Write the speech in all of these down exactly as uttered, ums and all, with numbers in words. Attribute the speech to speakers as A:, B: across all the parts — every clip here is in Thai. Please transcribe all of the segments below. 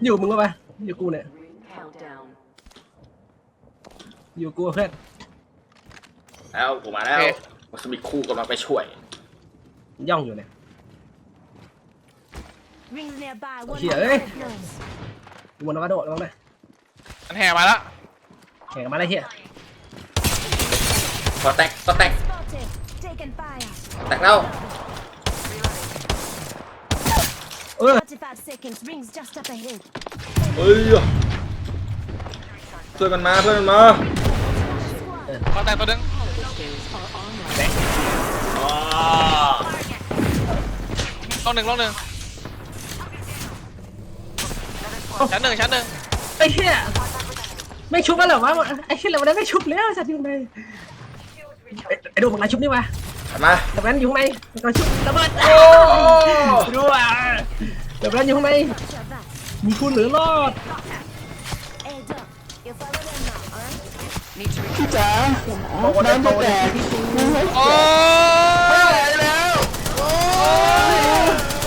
A: อยู่มึงก็ไปอยู่กูเนี่ยอยู่กูเพื่อน
B: แล้วผมมาแล้วมัสมิคู่กำลังไปช่วย
A: ย่องอยู่เนี่ยเฮียเอ้ยวนกระโดดลงเลย
C: มันแห่มาแล้ว
A: แข่งมาเลยเฮีย
B: ก็แตกก็แตกแตกแล้ว
A: เออ
B: เฮ้ยเพื่อนมันมาเพื่อนมันมา
C: ก็แตกตัวนึงลงหนึ่งลงหนึ่งชั้นหนึ่งชั้นหนึ่ง
A: ไอ้เหี้ยไม่ชุบแล้วเหรอวะไอ้เหี้ยเราได้ไม่ชุบแล้วสัตว์อยู่ไหนไอ้ดูมึงไรชุบนี่วะ
B: มา
A: แต่แม่นอยู่ไหนมันก็ชุบระเบิดดูอ่ะแต่แม่นอยู่ไหนมีคุณหรือรอดพี่จ๋าน้ำจะแตก
C: โอ้
A: ยแล้วโอ้ย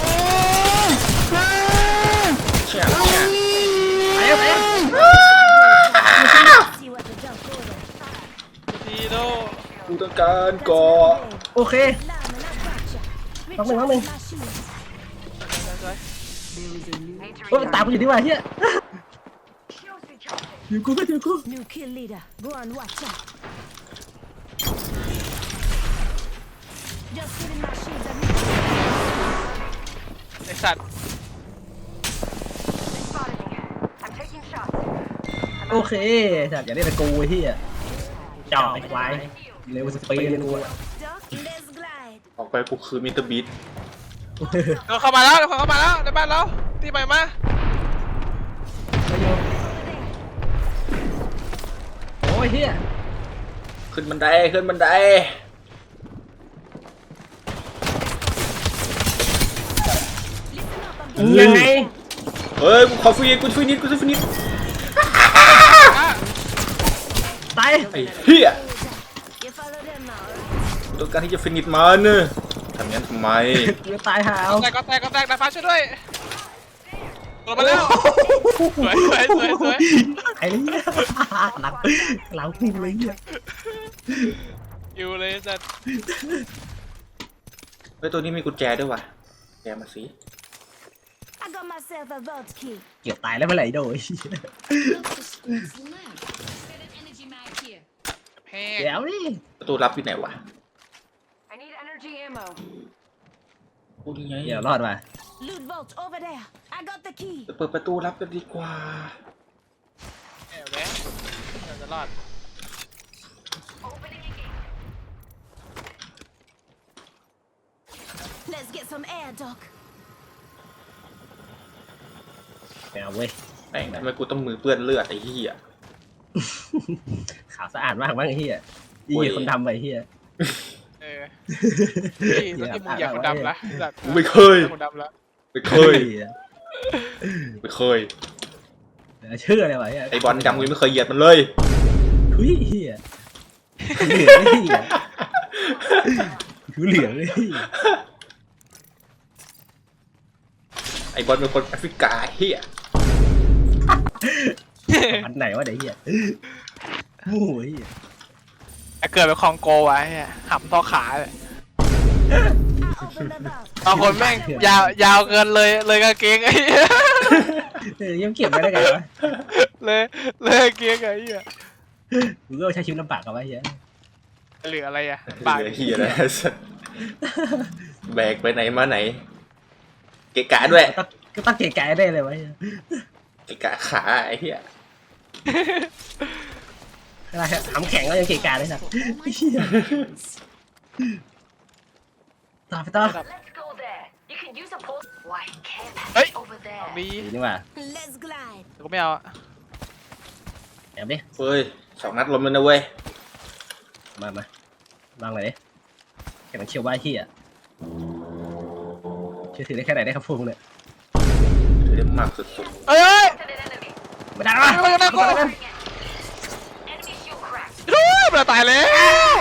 B: เชี่ยเชี่ย
A: ไปไป
C: ทีโด
B: กูต้องการก่อ
A: โอเคน้องหนึ่งน้องหนึ่งโอ้ยตามกูอยู่ดีกว่าเฮียอยู่กูก็อยู่กู
C: ไอสัตว์
A: โอเคสัตว์อย่าได้แต่กูเฮียจ่อไอ้ควายเร็วสปีดกู
B: ออกไปกูคือมิสเตอร์บีท
C: เราเข้ามาแล้วเราเข้ามาแล้วในบ้านเราที่ไปมา
A: โอ้ยเฮีย
B: ขึ้นบันไดขึ้นบันได
A: ยังไง
B: เฮ้ยกูขอฟีนิดกูฟีนิดกูฟีนิด
A: ตาย
B: ไอ้เหี้ยกูต้องการที่จะฟีนิดมันเนอะทำงั้นทำไม
A: จะตายหาว
C: แตกก็แตกก็แตกดาฟ้าช่วยด้วยลงมาแล้วสวยสวยสวยสวย
A: ไอ้เนี่ยหลังหลังพุ่งเลยเนี่ย
C: อยู่เลยสัตว์
B: เฮ้ยตัวนี้มีกุญแจด้วยว่ะแกมาสิ
A: เกี่ยวตายแล้วเมื่อไหร่โดยเดี๋ยวนี่
B: ประตูลับอยู่ไหนวะโอ้ยไง
A: เดี๋ยวรอดมา
B: เปิดประตูลับกันดีกว่า
C: แอบแวะจะรอด
A: แมวเว้ย
B: แม่งทำไมกูต้องมือเปื้อนเลือดไอ้เหี้ย
A: ขาวสะอาดมากมั้งไอ้เหี้ยยี่คนดำไปเหี้ย
C: เออที่ที่มึงอยากคนดำละ
B: ไม่เคย
C: คนดำละ
B: ไม่เคยไม่เคย
A: เชื่อเลยวะ
B: ไอ้บอลดำกูไม่เคยเหยียดมันเลย
A: ทุยเหี้ยเหลืองเลยเหี้ยทุเหลืองเลย
B: ไอ้บอลเป็นคนแอฟริกาเหี้ย
A: อันไหนวะเดี๋ยวเหี้ยโอ้ย
C: เกิดเป็นคองโกไว้หับท่อขาเลยบางคนแม่งยาวยาวเกินเลยเลยกางเกงไอ้
A: ยังเก็บไม่ได้ไงวะ
C: เลยเลยกางเกงไอ้เหี้ย
A: มึงก็ใช้ชีวิตลำบากกับไอ้เหี้ย
C: เหลืออะไรอ่ะ
B: บากเหี้ยอะไรแบกไปไหนมาไหนเกะกะด้วย
A: ก็ตั้งเกะกะได้เลยวะ
B: เกะกะขาไอ้เหี้ย
A: อะไรครับทำแข็งก็ยังเกะกะเลยสัตว์ต่อไปต่อ
C: เฮ้ยมี
A: นี่ว่า
C: ก็ไม่เอา
A: แอบดิ
B: เฮ้ยสองนัดลมเลยนะเว้ย
A: มามาลองเลยดิแข่งเชียวว่าที่อ่ะเชื่อถือได้แค่ไหนได้ครับพวกเนี่ย
B: ถือได้มากสุด
C: ๆเอ้ย
A: ไม่ได้หรอ
C: ไม่ได้ก็ดูมันตายแล้ว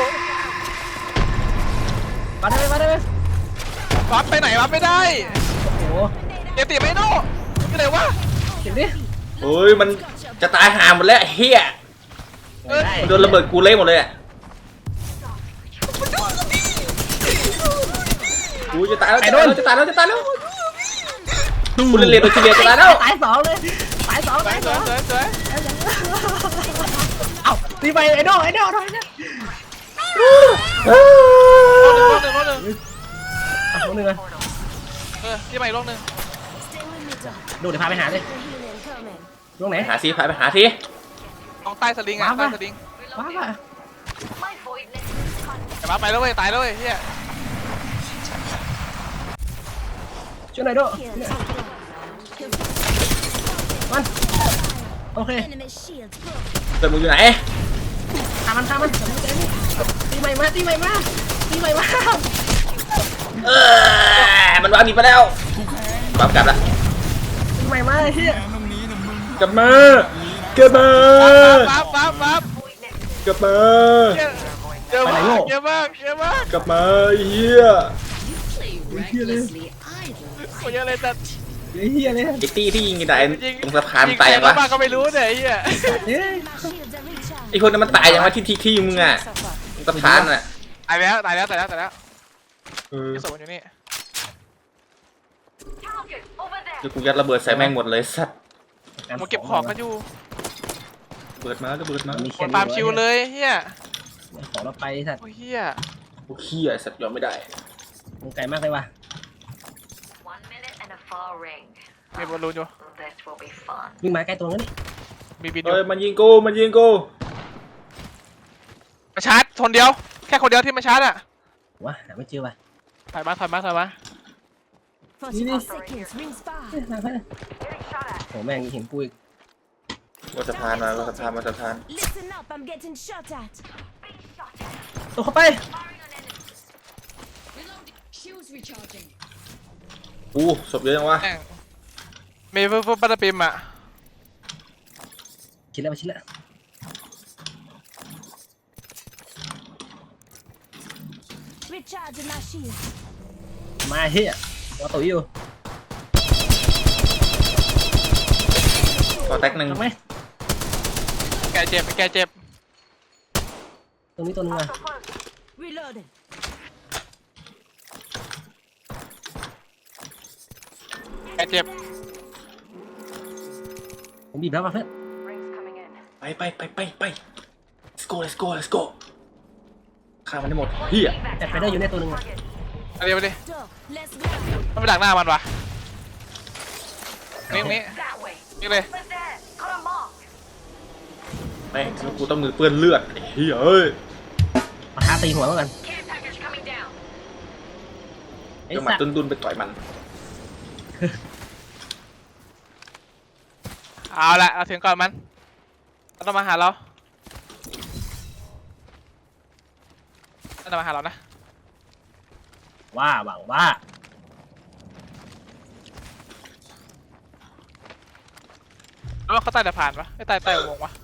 A: มาได้ไหมมาได้ไหม
C: วัดไปไหนวัดไม่ได้
A: โอ้โห
C: เอติไม่โน่ที่ไหนวะ
A: เห็นดิ
B: เฮ้ยมันจะตายห่าหมดแล้วไอ้เฮีย
A: ได้
B: มันโดนระเบิดกูเละหมดเลยอ่ะกูจะตายแล้วจะตายแล้วจะตายแล้วจะตายแล้วกูเล่นเรียนโดนเฉลี่ยจะตายแล้ว
A: ตายสองเลยตายสอง
C: สว
A: ตาย ย
C: ส
A: ส
C: ว
A: อย ง
C: สวยสวย
A: เอ้าตีไปไอ้โดไอ้โดทำไมเนี่ย
C: รอบหนึ่งรอบหนึ่งรอบหนึ่ง
A: อ่ะคนหนึ่งอ่ะ
C: เออที่ใหม่รอบหนึ่ง
A: ดูเดี๋ยวพาไปหาเลยตรงไหน
B: หาซีพายไปหาที
C: ตรงใต้สลิงอ่ะใต้สลิง
A: ว้าป่ะ
C: แต่มาไปแล้วเว้ยตายแล้วเว้ยเฮีย
A: ช่วยหน่อยโดมันโอเค
B: เติมมึงอยู่ไหน
A: ฆ่ามันฆ่ามันตีใหม่มาตีใหม่มาตีใหม่มา
B: เออมันวางหนีไปแล้วกลับกลับละ
A: ตีใหม่มาเฮีย
B: กลับมากลับมา
C: ปั๊บปั๊บปั๊บ
B: กลับมา
C: เยอะมากเยอะมากเยอะมาก
B: กลับมาเฮีย
A: เฮียเลย
C: โคตรเยอะเลยแต่
A: เฮียเลย
B: ไอ้ตี้ที่ยิงกันตายตรงสะพานตายยังวะ
C: บ้าก็ไม่รู้เนี่ยเฮีย
A: เฮ้ย
B: ไอ้คนนั้นมันตายยังวะที่ที่ที่มึงอ่ะตรงสะพานอ่ะ
C: ตายแล้วตายแล้วตายแล้วตายแล้ว
B: เออ
C: ที่ศพมันอยู่นี่
B: เดี๋ยวกูยัดระเบิดใส่แม่งหมดเลยสัตว์
C: มาเก็บของกันอยู่
B: เบิดมาก็เบิดมา
A: มี
C: คนตามชิวเลยเฮีย
A: ของเราไปสัตว์
C: โอ้เฮีย
B: โอ้เฮียสัตว์ยอมไม่ได้
A: มึงไกลมากเลยว่ะ
C: มีบอลลูนอยู่
A: วิ่งมาใกล้ตัวนั้นดิ
C: มีบินอยู่
B: เฮ้ยมันยิงกูมันยิงกู
C: มาชาร์จคนเดียวแค่คนเดียวที่มาชาร์จอ่ะ
A: วะหาไม่เจอว่ะ
C: ถอยมาถอยมาถอยมา
A: โหแม่งเห็นกูอีก
B: ว่าสะพานมาว่าสะพานมาสะพาน
A: ตัวเข้าไป
B: อู้ศพเยอะจังวะ
C: แม่งมีเพื่อนปัตตปิมอ่ะ
A: ชิดแล้วไปชิดแล้วมาเฮียตัวตุ๋ยอยู่
B: ขอแตกหนึ่ง
A: ถูกไหม
C: แกเจ็บแกเจ็บ
A: ตรงนี้ตัวนึงอ่ะ
C: แกเจ็บ
A: ผมบีบแล้วป่ะเพื่อน
B: ไปไปไปไปไป let's go let's go let's go ฆ่ามันได้หมดเฮีย
A: แต่ไปได้อยู่ในตัวนึงอ่ะ
C: เอาเดี๋ยวไปดิมันไปดักหน้ามันวะนี่นี่นี่เลย
B: แม่งกูต้องมือเปื้อนเลือดไอ้เฮียเอ้ย
A: มาท้าตีหัวแล้วกันไอ้
B: จะมา
A: สัตว์
B: ดุนดุนไปต่อยมัน
C: เอาละเราถึงก่อนมันมันต้องมาหาเรามันต้องมาหาเรานะ
A: ว่าหวังว่า
C: แล้วว่าเขาใต้สะพานปะไม่ใต้ใต้อุโมงค์ปะ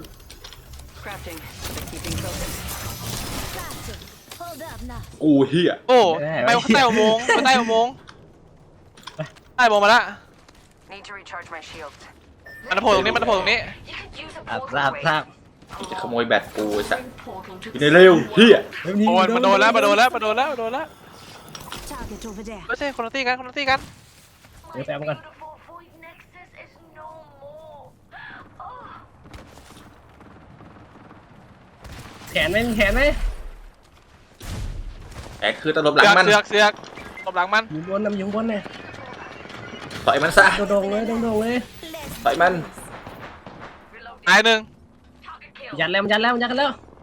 B: กูเฮีย
C: โอ้ไม่เขาใต้อุโมงค์เขาใต้อุโมงค์ใต้อุโมงค์มาละมันจะโผล่ตรงนี้มันจะโผล่ตรงนี้
A: อ่ะทราบทราบ
B: กูจะขโมยแบตกูไอ้สัสอยู่ในเร็วเฮีย
C: โอ้ยมาโดนแล้วมาโดนแล้วมาโดนแล้วมาโดนแล้วไม่ใช่คนละตีกันคนละตีกัน
A: เดี๋ยวแป๊บกันแขนไหมมีแขนไหม
B: แอกคือตลบหลังมัน
C: เสือกเสือกตบหลังมัน
A: อยู่บนน้ำอยู่บนเนี่ย
B: ต่อยมันซะ
A: โดงๆเลยโดงๆเลย
B: ต่อยมัน
C: ตายหนึ่ง
A: ยัดแล้วมันยัดแล้วมันยัดกันแล้ว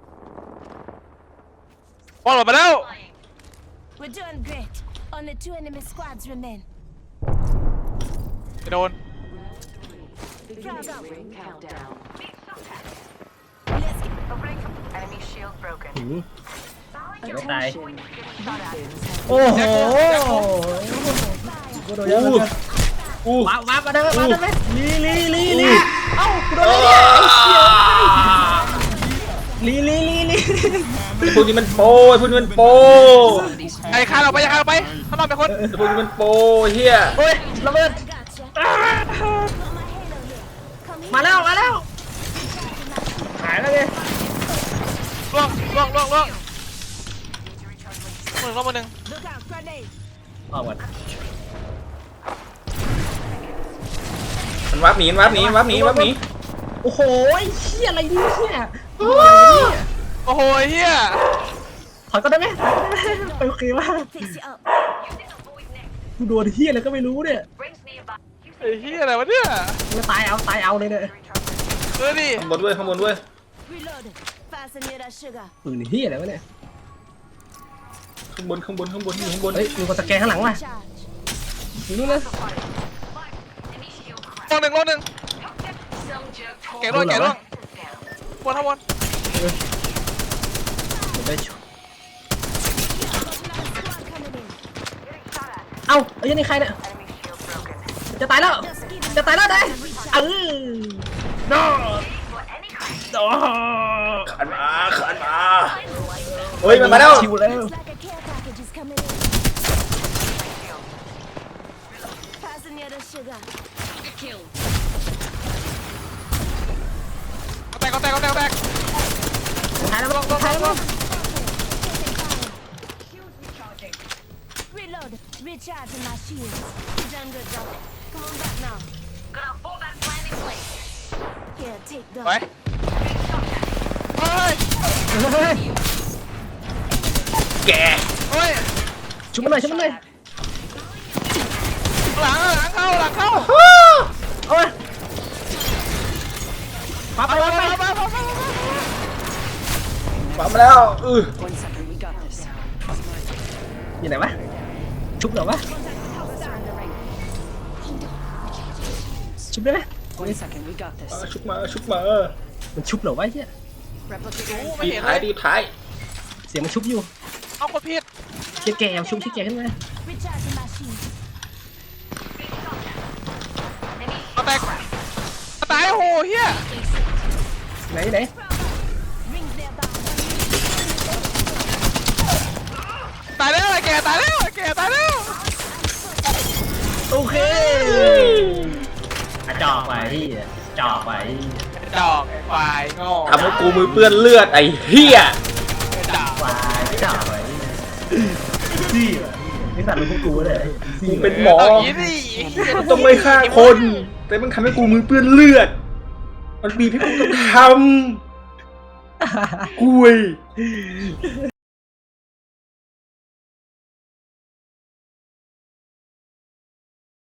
C: บอลหมดมาแล้ว
D: We're doing great. Only two enemy squads remain.
C: ไปโดน
D: Frag out.
E: Countdown.
D: Let's get
E: Enemy shield broken.
A: หืมเดี๋ยวไม่ตาย
E: Attention. Weapons
A: โอ้โหกูโดนยัดแล้วกัน
B: อู้
A: ว้าวว้าวมาได้ไหมมาได้ไหมลีลีลีลีเอ้ากูโดนอะไรเนี่ยไอ้เชี่ยลีลีลีลี
B: ไอ้พวกนี้มันโปไอ้พวกนี้มันโป
C: ไอ้คานออกไปอย่าคานออกไปข้างนอกเป็นคน
B: ไอ้พวกนี้มันโปเฮีย
A: โอ้ยระเบิด
D: gotcha. Got my halo here.
C: ก็หนึ่งรอบมาหนึ่ง
D: Look out, grenade.
A: ออกก่อน
B: มันวับหนีมันวับหนีวับหนีวับหนี
A: โอ้โหไอ้เหี้ยอะไรเนี่ย
C: โอ้โหเฮีย
A: ถอยก็ได้ไหมไปโอเคว่า
D: Fix it up.
A: กูโดนเหี้ยอะไรก็ไม่รู้เนี่ย
C: ไอ้เฮียอะไรวะเนี่ย
A: จะตายเอาตายเอาเลยเนี่ย
C: เออดิ
B: ข้างบนด้วยข้างบนด้วย
D: Reload. Fasten near that sugar.
A: ปืนเหี้ยอะไรวะเนี่ย
B: ข้างบนข้างบนข้างบนอยู่ข้างบน
A: เฮ้ยมีคนสแกนข้างหลังว่ะ
D: Charge.
A: อยู่นู่นนะ
C: รอบหนึ่งรอบหนึ่งแกะร่วงแกะร่วงบนทั้งบน
A: เดี๋ยวได้ช
D: Squad coming in.
A: เอ้าไอ้ยันนี่ใครเนี่ย
E: Enemy shield broken.
A: จะตายแล้ว
D: Just give me
A: จะตายแล้วได้เออโน่โน่
B: ขันมาขันมาเฮ้ยมันมาแล้ว
A: ชิวแล้ว
D: Looks like a care package is coming in. Fasten near the sugar. Kill.
C: แตกก็แตกก็แตกก็แตก
A: ตายแล้วมั้งตายแล้วมั้ง
D: Reload. Recharging my shields. You done good, Doc. Come on back now. Gonna fall back plan in place. Here, take
C: ไป
D: that.
C: เฮ้ย
A: เฮ้ย
B: แก
C: เฮ้ย
A: ชุบมันหน่อยชุบมันหน่อย
C: หลังหลังเข้าหลังเข้า
A: โอ้ยมาไป
C: ไป
A: มา
C: ไป
A: ไป
C: ไปไปไป
B: มามาแล้วอือ
E: One second, we got this.
A: อยู่ไหนวะชุบเหรอวะชุบได้ไหม
E: One second, we got this.
B: ชุบมาชุบมา
A: มันชุบเหรอวะไอ้เหี้ย
E: Replicator.
C: ไม่
B: ดี
C: เห็น
B: ท้า
C: เลย ย
B: ดีท้าย
A: เสียงมันชุบอยู่
C: เอาคนผิด
A: เชี่ยแกเอาชุบเชี่ยแกขึ้นมา
D: Recharging my shields.
C: เอาแตกตายโอ้โหเฮีย
A: ไหนไหน
D: Rings their bow.
C: ตายแล้วไอ้แกตายแล้วไอ้แกตายแล้ว
A: โอเคอะจอกไปที่จอกไป
C: ดอกควายโง่
B: ทำให้กูมือเปื้อนเลือดไอ้เหี้ย
C: ดอก
A: ไปจอกไปที่นี่ตัดลูกกูเลย
B: กูเป็นหมอ
C: เอาอย่างนี้ดิ
B: ต้องไม่ฆ่าคน แต่มันทำให้กูมือเปื้อนเลือด มันบีบให้กูต้องทำกุย